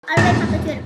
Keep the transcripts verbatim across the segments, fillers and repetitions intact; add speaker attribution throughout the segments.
Speaker 1: Arabayı patlatıyorum.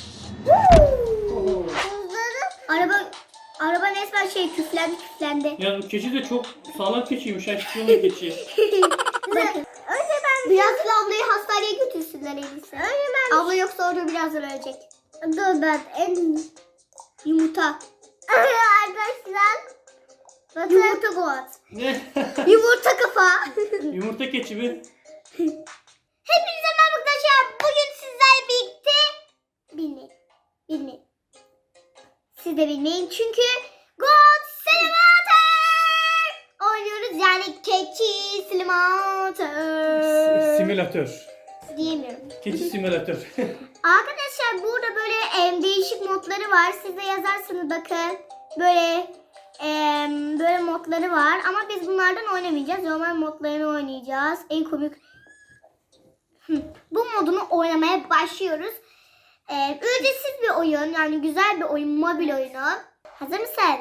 Speaker 2: Oo.
Speaker 1: Araba araba resmen şey küflendi küflendi.
Speaker 2: Ya bu keçi de çok sağlam keçiymiş. Ha, çıkıyor mu keçi?
Speaker 1: Bakın. Önce ben biraz ablayı hastaneye götürsünler en iyisi. Önce ben abla yoksa orada birazdan ölecek. Dur ben en yumurta. Arkadaşlar. Yumurta Goat.
Speaker 2: Ne?
Speaker 1: Yumurta kafa.
Speaker 2: Yumurta keçi mi?
Speaker 1: Hepinize merhaba arkadaşlar. Bugün sizlerle birlikte bilmeyin. Bilmeyin. Siz de bilmeyin çünkü God Simulator oynuyoruz. Yani keçi simülatör.
Speaker 2: Simülatör.
Speaker 1: Diyemiyorum.
Speaker 2: Keçi simülatör.
Speaker 1: Arkadaşlar burada böyle em, değişik modları var. Siz de yazarsınız bakın. Böyle em, böyle modları var. Ama biz bunlardan oynamayacağız. Normal modlarını oynayacağız. En komik. Hı. Bu modunu oynamaya başlıyoruz. Ee, ücretsiz bir oyun. Yani güzel bir oyun. Mobil oyunu. Hazır mısın?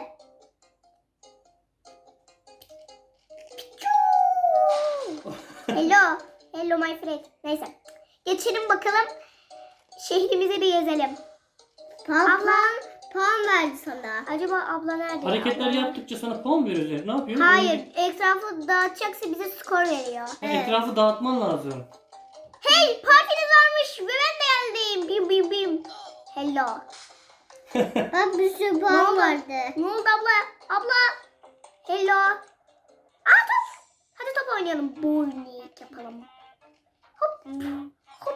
Speaker 1: Hello. Hello my friend. Neyse. Geçelim bakalım. Şehrimize bir gezelim. Ablam puan verdi sana. Acaba abla nerede?
Speaker 2: Hareketler
Speaker 1: abla?
Speaker 2: yaptıkça sana puan veriyorlar. Ne yapıyorsun?
Speaker 1: Hayır. Etrafı dağıtacaksa bize skor veriyor.
Speaker 2: Ha, etrafı dağıtman lazım.
Speaker 1: Hey, partiniz varmış ve ben de geldim. Bim bim bim. Hello. Bak bir sürü puan vardı. Ne oldu abla? Abla. Hello. Aa top. Hadi top oynayalım. Bowling yapalım. Hop. Hop.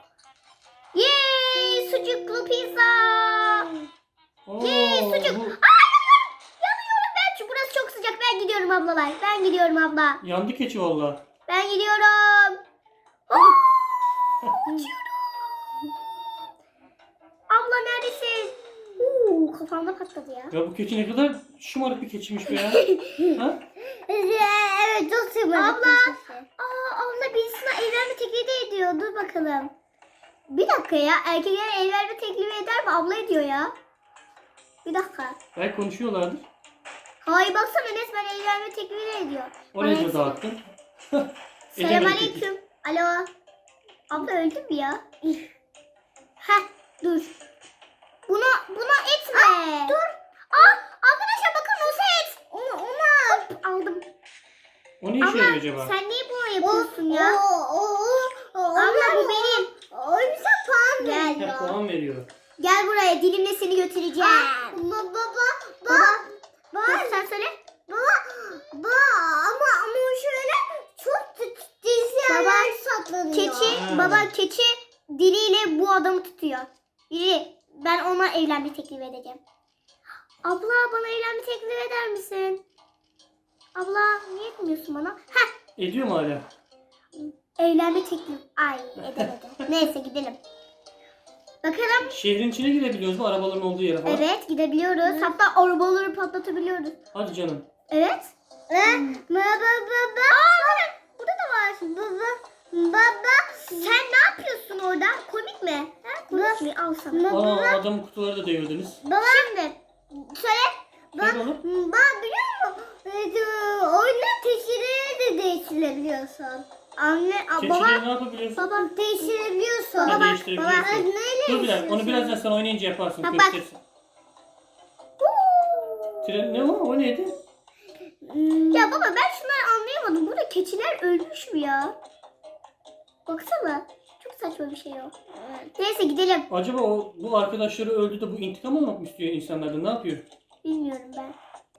Speaker 1: Yay, sucuklu pizza.
Speaker 2: Oo,
Speaker 1: Yay, sucuk.
Speaker 2: bu
Speaker 1: Aa yanıyorum. Yanıyorum ben. Çünkü burası çok sıcak. Ben gidiyorum ablalar. Ben gidiyorum abla.
Speaker 2: yandı keçi valla.
Speaker 1: Ben gidiyorum. Oo, uçuyorum. Abla neredesin? Uuu kafamda patladı ya.
Speaker 2: Ya bu keçi ne kadar şımarık bir keçiymiş be ya. Ha?
Speaker 1: Evet çok seviyorum. Abla. Aa, abla birisine evlenme teklifi ediyor. Dur bakalım. Bir dakika ya. Erkekler evlenme teklifi eder mi? Abla ediyor ya. Bir dakika.
Speaker 2: Belki konuşuyorlardır.
Speaker 1: Hayır baksana resmen evlenme teklifi ediyor.
Speaker 2: Oraya
Speaker 1: Bana-
Speaker 2: da dağıttın.
Speaker 1: Selamünaleyküm. Alo. Abla öldü mü ya? Heh dur. Buna buna etme. dur. Aa arkadaşlar bakın o set. Onu ona aldım.
Speaker 2: O ne işe yarıyor acaba?
Speaker 1: Sen niye bunu yapıyorsun ya? Abla bu benim. O yüzden puan gel.
Speaker 2: Ha, puan veriyor.
Speaker 1: Gel buraya dilimle seni götüreceğim. Baba baba baba. Baba sen söyle. Baba baba ama ama şöyle çok dizler saklanıyor. Keçi
Speaker 2: Ha.
Speaker 1: baba keçi diliyle bu adamı tutuyor. Yürü ben ona evlenme teklif edeceğim. Abla bana evlenme teklif eder misin? Abla niye etmiyorsun bana? Heh
Speaker 2: Ediyor mu hala?
Speaker 1: evlenme teklif. Ay edemedi. Neyse gidelim. Bakalım.
Speaker 2: Şehrin içine girebiliyoruz mu? Arabaların olduğu yere falan.
Speaker 1: Evet gidebiliyoruz. Hatta arabaları patlatabiliyoruz.
Speaker 2: Hadi canım.
Speaker 1: Evet. Baba baba. Aa burada da var. Baba. Baba. Sen ne yapıyorsun orada? Komik mi? Ha, komik mi? Al sana.
Speaker 2: Aa, adamın kutuları da devirdiniz.
Speaker 1: Baba. Şimdi söyle.
Speaker 2: Söyle oğlum.
Speaker 1: Ben biliyor musun? Oyunda teşhiri de değiştirebiliyorsun. Anne, a, baba.
Speaker 2: Keçileri ne yapabiliyorsun?
Speaker 1: Baba değiştirebiliyorsun.
Speaker 2: Ha,
Speaker 1: Baba,
Speaker 2: değiştirebiliyorsun.
Speaker 1: baba neyle
Speaker 2: Dur bir dakika. Onu birazdan sen oynayınca yaparsın.
Speaker 1: Bak, bak.
Speaker 2: Gösterirsin. Tren ne o? O neydi?
Speaker 1: Ya baba ben şunları anlayamadım. Burada keçiler ölmüş mü ya? Baksana. Çok saçma bir şey o. Neyse gidelim.
Speaker 2: Acaba o bu arkadaşları öldü de bu intikam almak mı istiyor insanlardan? Ne yapıyor?
Speaker 1: Bilmiyorum ben.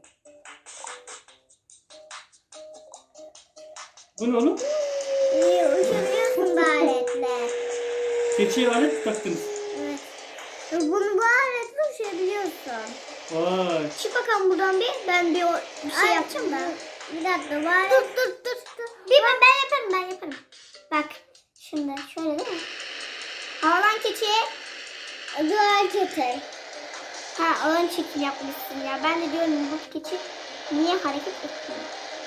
Speaker 2: Bu ne oğlum?
Speaker 1: İyi uçabiliyorsun bu aletle.
Speaker 2: Keçiye alet mi taktınız?
Speaker 1: Evet. Bunu bu aletle uçabiliyorsun.
Speaker 2: Vay.
Speaker 1: Çık bakalım buradan bir. Ben bir, o, bir şey yapacağım da. Bir dakika var. Dur dur dur. dur. Bir ben, ben yaparım ben yaparım. Bak. Şimdi şöyle değil mi? Havalan keçiye. Duvar keçi. Ha ön çekim yapmışsın ya. Ben de diyorum bu keçi niye hareket etmiyor?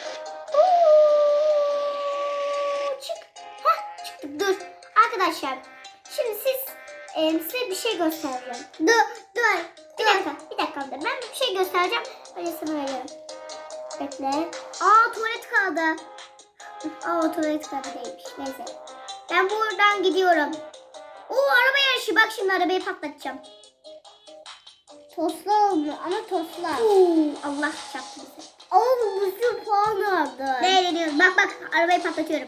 Speaker 1: Çık. Hah çıktık dur. Arkadaşlar şimdi siz e, size bir şey göstereceğim. Dur dur. Bir dakika bir dakika ben bir şey göstereceğim. Öyle sana veriyorum. Bekle. Aa tuvalet kaldı. Aa tuvalet kağıdı değilmiş. Neyse. Ben buradan gidiyorum. Oo araba yarışı. Bak şimdi arabayı patlatacağım.
Speaker 3: Tosla oldu ama tosla.
Speaker 1: Oo, Allah çarptı bizi.
Speaker 3: Ama bu bir sürü puan aldı.
Speaker 1: Ne deniyoruz? Bak bak arabayı patlatıyorum.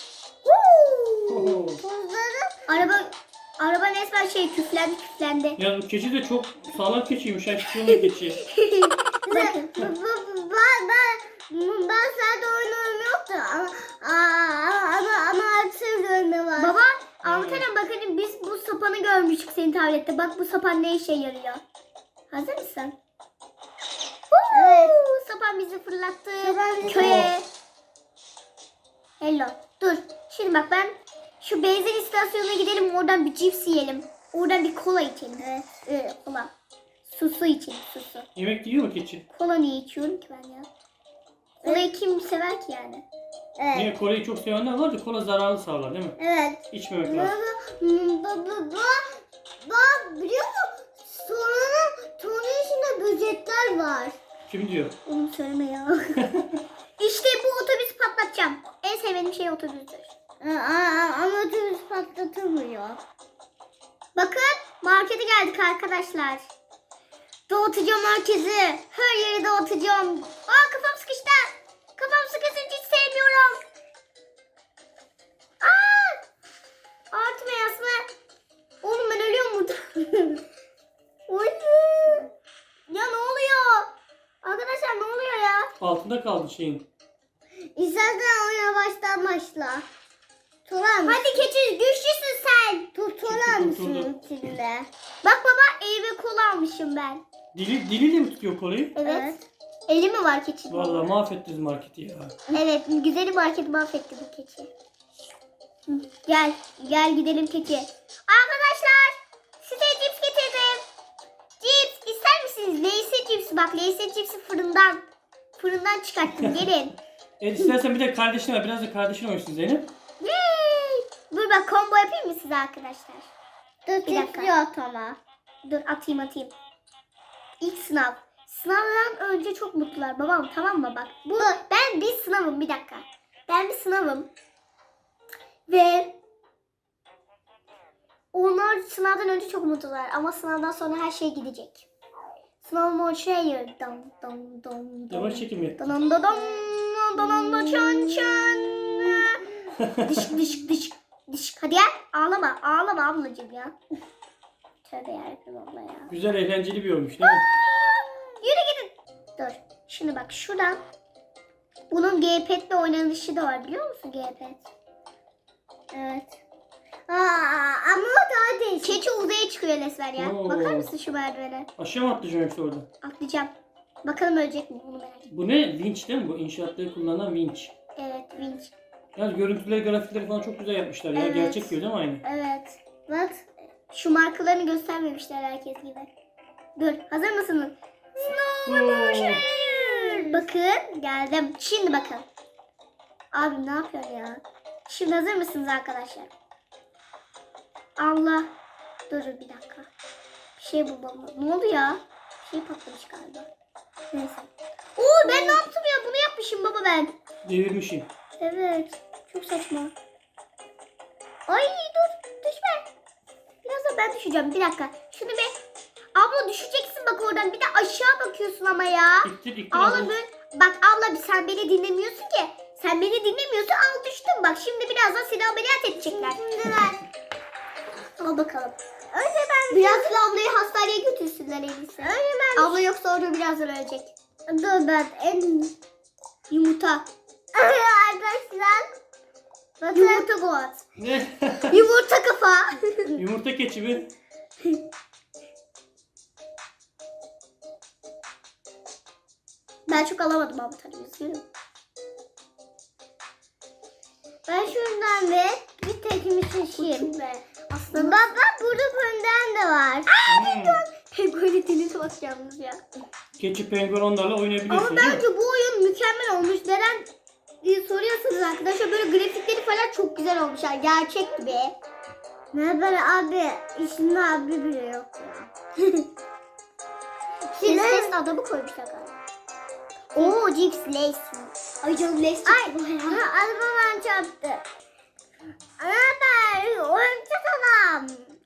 Speaker 2: Oho.
Speaker 3: Tozları
Speaker 1: Araba araba resmen şey küflendi küflendi.
Speaker 2: Ya bu keçi de çok sağlam keçiymiş. Ha hiç yolun keçi.
Speaker 1: Bakın.
Speaker 3: ben, ben, ben, ben sadece oyun oynamıyordum ama, aa, ama, ama artık görme var.
Speaker 1: Baba anlatalım bakın biz bu sapanı görmüştük senin tablette. Bak bu sapan ne işe yarıyor. Hazır mısın?
Speaker 3: Evet.
Speaker 1: Huu, sapan bizi fırlattı
Speaker 3: Sapan bizi-
Speaker 1: köye. Hello. Dur. Şimdi bak ben şu benzin istasyonuna gidelim oradan bir cips yiyelim. Oradan bir kola içelim.
Speaker 3: Evet.
Speaker 1: Ee, kola. Su su içelim su su.
Speaker 2: Yemek yiyor mu keçi?
Speaker 1: Kola niye içiyorum ki ben ya? Kolayı kim sever ki yani?
Speaker 3: Evet.
Speaker 2: Niye kolayı çok sevenler var da kola zararlı sağlar değil mi?
Speaker 3: Evet.
Speaker 2: İçmemek
Speaker 3: Baba,
Speaker 2: lazım.
Speaker 3: baba, baba, baba biliyor musun? Sonra, sonra içinde böcekler var.
Speaker 2: Kim diyor?
Speaker 1: Onu söyleme ya. İşte bu otobüsü patlatacağım. En sevdiğim şey otobüstür.
Speaker 3: Aa, ama otobüs patlatamıyor.
Speaker 1: Bakın markete geldik arkadaşlar. Dağıtacağım herkesi. Her yeri dağıtacağım. Aa kafam sıkıştı. Kafam sıkışınca hiç sevmiyorum. Aa! Artma yasma. Oğlum ben ölüyorum burada. Oy. Ya ne oluyor? Arkadaşlar ne oluyor ya?
Speaker 2: Altında kaldı şeyin.
Speaker 3: İstersen oyuna baştan başla. Tutar mısın?
Speaker 1: Hadi keçi güçlüsün sen.
Speaker 3: Tutar mısın
Speaker 2: Tutuldu.
Speaker 3: içinde?
Speaker 1: Bak baba ev ve kola almışım ben.
Speaker 2: Dili, diliyle mi tutuyor kolayı?
Speaker 1: Evet.
Speaker 3: Evet.
Speaker 1: Eli mi var keçinin?
Speaker 2: Vallahi mahvettiniz marketi ya.
Speaker 1: Evet, güzeli marketi mahvetti bu keçi. Hı, Gel, gel gidelim keçi. Arkadaşlar, size cips getirdim. Cips ister misiniz? Leyse cipsi bak, Leyse cipsi fırından. Fırından çıkarttım, gelin.
Speaker 2: Evet istersen bir de kardeşine ver. Biraz da kardeşine oynasın Zeynep.
Speaker 1: Yay! Dur bak combo yapayım mı size arkadaşlar?
Speaker 3: Dur
Speaker 1: Bir dakika.
Speaker 3: titriyor ama.
Speaker 1: Dur atayım atayım. İlk sınav. Sınavdan önce çok mutlular babam tamam mı bak. Bu ben bir sınavım bir dakika. Ben bir sınavım. Ve onlar sınavdan önce çok mutlular ama sınavdan sonra her şey gidecek. Sınavım o şey dam dam dam dam.
Speaker 2: Yavaş çekim yap.
Speaker 1: Dam dam dam dam dam çan çan. Dış dış dış dış. Hadi ya ağlama ağlama ablacığım ya. Tövbe yarabbim abla ya.
Speaker 2: Güzel eğlenceli bir olmuş değil mi?
Speaker 1: Yürü gidin. Dur. Şimdi bak şuradan. Bunun G-Pad'le oynanışı da var biliyor musun G-Pad?
Speaker 3: Evet. Aa, ama o daha değişik.
Speaker 1: Keçi uzaya çıkıyor Lesver ya.
Speaker 2: Oo.
Speaker 1: Bakar mısın şu merdivene?
Speaker 2: Aşağı mı atlayacağım yoksa orada?
Speaker 1: Atlayacağım. Bakalım ölecek mi bunu merak ediyorum.
Speaker 2: Bu ne? Vinç değil mi? Bu inşaatları kullanılan vinç.
Speaker 1: Evet vinç.
Speaker 2: Yani görüntüleri, grafikleri falan çok güzel yapmışlar ya.
Speaker 1: Evet.
Speaker 2: Gerçek gibi değil mi aynı?
Speaker 1: Evet. Bak şu markalarını göstermemişler herkes gibi. Dur hazır mısınız? Snow
Speaker 2: Oo.
Speaker 1: Bakın geldim. Şimdi bakın. Abi ne yapıyorsun ya? Şimdi hazır mısınız arkadaşlar? Allah. Dur bir dakika. Bir şey bulmam. Ne oldu ya? Bir şey patlamış galiba. Neyse. Oo ben ne yaptım ya? Bunu yapmışım baba ben.
Speaker 2: Devirmişim.
Speaker 1: Evet. Çok saçma. Ay dur. Düşme. Biraz da ben düşeceğim. Bir dakika. Şunu bir. Abla düşeceksin bak oradan. Bir de aşağı bakıyorsun ama ya.
Speaker 2: İttir ittir.
Speaker 1: Abla
Speaker 2: Abla.
Speaker 1: böyle. Bak abla sen beni dinlemiyorsun ki. Sen beni dinlemiyorsun. Al düştün bak. Şimdi birazdan seni ameliyat edecekler. Şimdi ver. Al bakalım. Önce ben birazdan ablayı hastaneye götürsünler en iyisi. Önce ben. Abla yoksa orada birazdan ölecek.
Speaker 3: Dur ben en...
Speaker 1: Yumurta.
Speaker 3: Arkadaşlar. Bakın.
Speaker 1: Yumurta Goat.
Speaker 2: Ne?
Speaker 1: Yumurta kafa.
Speaker 2: Yumurta keçi mi?
Speaker 1: Ben çok alamadım abi tabii üzgünüm.
Speaker 3: Ben şuradan ve bir tekimi seçeyim.
Speaker 1: Be. Aslında
Speaker 3: Bak bak burada pönden de var.
Speaker 2: Hmm.
Speaker 1: pengueni denize bakacağımız ya.
Speaker 2: Keçi penguen onlarla oynayabiliyorsun
Speaker 1: Ama
Speaker 2: değil mi?
Speaker 1: bence bu oyun mükemmel olmuş. Neden diye soruyorsanız arkadaşlar böyle grafikleri falan çok güzel olmuşlar. Gerçek gibi.
Speaker 3: Ne böyle abi? İşinde abi bile yok ya.
Speaker 1: Şimdi ses adamı koymuşlar galiba. Oo Cips Lace. Ay canım Lace çok
Speaker 3: Ay,
Speaker 1: güzel ya.
Speaker 3: ha, arabam çarptı. Ana ben oyuncak adam.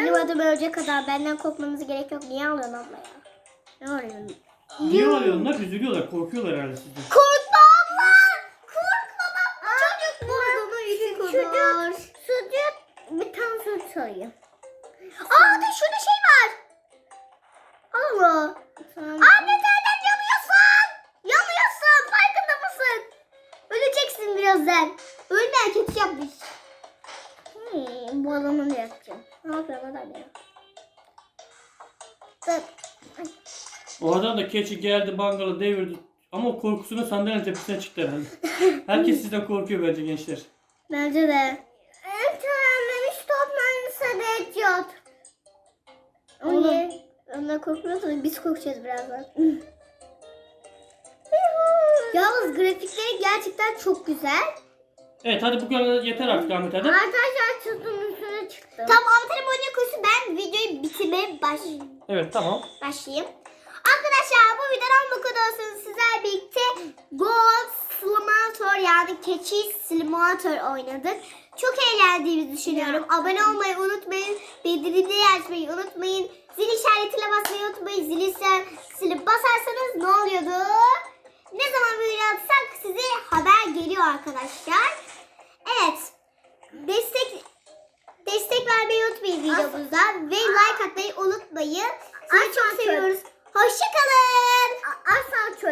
Speaker 1: Benim adım ölecek kadar benden korkmanıza gerek yok. Niye alıyorsun abla ya? Ne arıyorsun?
Speaker 2: Niye alıyorlar? Onlar üzülüyorlar, korkuyorlar herhalde sizden.
Speaker 1: Korkma abla! Korkma bak! Çocuk burnunu yüzü kadar.
Speaker 3: Sucuk bir tane süt sayayım.
Speaker 1: Aa da şurada şey var. Allah. Anne nereden yanıyorsun? Yanıyorsun. Farkında mısın? Öleceksin birazdan. Ölme kötü yapmış.
Speaker 3: Hmm, balonu yapacağım.
Speaker 1: Ne yapıyorsun adam ya?
Speaker 3: Dur.
Speaker 2: O adam da keçi geldi, bangalı devirdi. Ama o korkusunu sandalyenin tepesine çıktı herhalde. Herkes sizden korkuyor bence gençler.
Speaker 1: Bence de.
Speaker 3: En törenlemiş toplanırsa da ediyor.
Speaker 1: Oğlum. Onlar korkmuyorsa biz korkacağız birazdan. Yalnız grafikleri gerçekten çok güzel.
Speaker 2: Evet hadi bu kadar yeter artık Ahmet hadi.
Speaker 3: Arkadaşlar sütün üstüne çıktım.
Speaker 1: Tamam Antalya Boyunca kursu ben videoyu bitirmeye baş
Speaker 2: Evet tamam.
Speaker 1: başlayayım. Arkadaşlar bu videodan bu kadar olsun. Sizlerle birlikte Goat Simulator yani keçi simulator oynadık. Çok eğlendiğimizi düşünüyorum. Abone olmayı unutmayın. Bildirimleri açmayı unutmayın. Zil işaretine basmayı unutmayın. Zili silip basarsanız ne oluyordu? Ne zaman video atsak size haber geliyor arkadaşlar. Evet. Destek destek vermeyi unutmayın videomuza ve like atmayı unutmayın. Sizi çok seviyoruz. Hoşçakalın.
Speaker 3: Asla